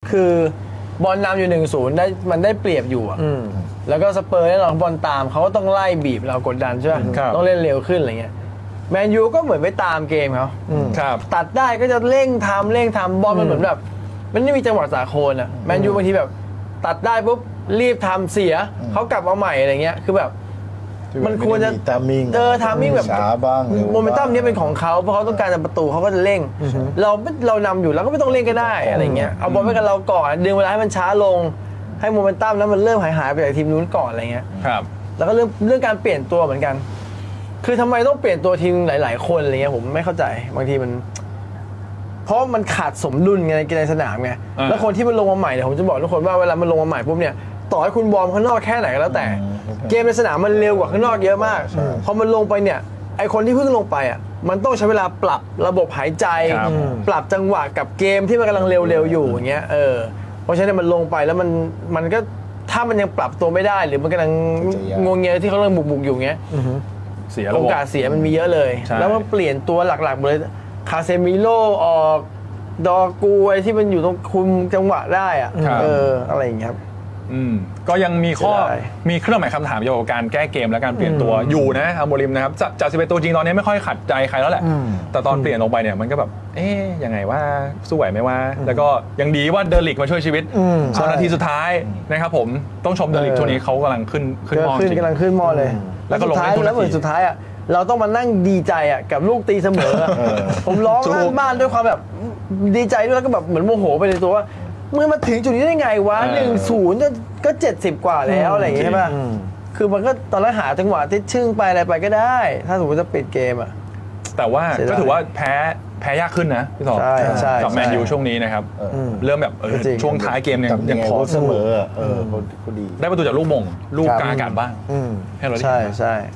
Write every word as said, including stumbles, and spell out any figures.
คือบอลนำอยู่หนึ่งศูนย์ได้มันได้เปรียบอยู่อะแล้วก็สเปอร์แน่นอนบอลตามเขาก็ต้องไล่บีบเรากดดันใช่ไหมต้องเล่นเร็วขึ้นอะไรเงี้ยแมนยูก็เหมือนไปตามเกมเขาตัดได้ก็จะเร่งทำเร่งทำบอลมันเหมือนแบบมันไม่มีจังหวะสาโคนอ่ะแมนยูบางทีแบบตัดได้ปุ๊บรีบทำเสียเขากลับมาใหม่อะไรเงี้ยคือแบบมันควรจะตามิ่งเออทามิ่งแบบช้าบ้างโมเมนตัมนี้เป็นของเขาเพราะเขาต้องการจะประตูเขาก็จะเร่งเราเรานำอยู่แล้วก็ไม่ต้องเร่งก็ได้อะไรเงี้ยเอาบอลไว้กับเราก่อนดึงเวลาให้มันช้าลงให้โมเมนตัมนั้นมันเริ่มหายหายไปจากทีมนู้นก่อนอะไรเงี้ยครับแล้วก็เรื่องเรื่องการเปลี่ยนตัวเหมือนกันคือทำไมต้องเปลี่ยนตัวทีมหลายๆคนอะไรเงี้ยผมไม่เข้าใจบางทีมันเพราะมันขาดสมดุลไงในสนามไงแล้วคนที่มันลงมาใหม่เนี่ยผมจะบอกทุกคนว่าเวลามันลงมาใหม่ปุ๊บเนี่ยต่อให้คุณวอร์มข้างนอกแค่ไหนก็แล้วแต่เกมในสนามมันเร็วกว่าข้างนอกเยอะมากพอมันลงไปเนี่ยไอคนที่เพิ่งลงไปอ่ะมันต้องใช้เวลาปรับระบบหายใจปรับจังหวะกับเกมที่มันกำลังเร็วๆอยู่อย่างเงี้ยเออเพราะฉะนั้นมันลงไปแล้วมันมันก็ถ้ามันยังปรับตัวไม่ได้หรือมันกำลังงงเงี้ยที่เขากำลังบุกๆอยู่เงี้ยเสียโอกาสเสียมันมีเยอะเลยแล้วมันเปลี่ยนตัวหลักๆหมดเลยคาเซมิโลออกดอกูไอที่มันอยู่ตรงคุมจังหวะได้อะเอออะไรอย่างเงี้ยครับอืมก็ยังมีข้อมีเครื่องหมายคำถามเกี่ยวกับการแก้เกมและการเปลี่ยนตัวอยู่นะอัมโมริมนะครับจากสิบเอ็ดตัวจริงตอนนี้ไม่ค่อยขัดใจใครแล้วแหละแต่ตอนเปลี่ยนลงไปเนี่ยมันก็แบบเอ๊ยยังไงว่าสู้ไหวไหมว่าแล้วก็ยังดีว่าเดลิกมาช่วยชีวิตตอนนาทีสุดท้ายนะครับผมต้องชมเดลิกช่วงนี้เขากำลังขึ้นขึ้นมอจริงกำลังขึ้นมอเลยแล้วก็ลงเล่นทุกนาทีแล้วเหมือนสุดท้ายอ่ะเราต้องมานั่งดีใจอ่ะกับลูกตีเสมอผมร้องลั่นบ้านด้วยความแบบดีใจด้วยแล้วก็แบบเหมือนโมโหไปในตัวว่ามึงมาถึงจุดนี้ได้ไงวะหนึ่งศูนย์ก็เจ็ดสิบกว่าแล้วอะไรอย่างเงี้ยใช่ป่ะคือมันก็ตอนแรกหาจังหวะที่ชึ่งไปอะไรไปก็ได้ ถ้าสมมติจะปิดเกมอ่ะแต่ว่าก็ถือว่าแพ้แพ้ยากขึ้นนะพี่ต่อกับแมนยูช่วงนี้นะครับเริ่มแบบช่วงท้ายเกมเนี่ยยังพอเสมอเออเขาดีได้ประตูจากลูกมงลูกกลางอากาศบ้างให้เราได้ใช่ใช่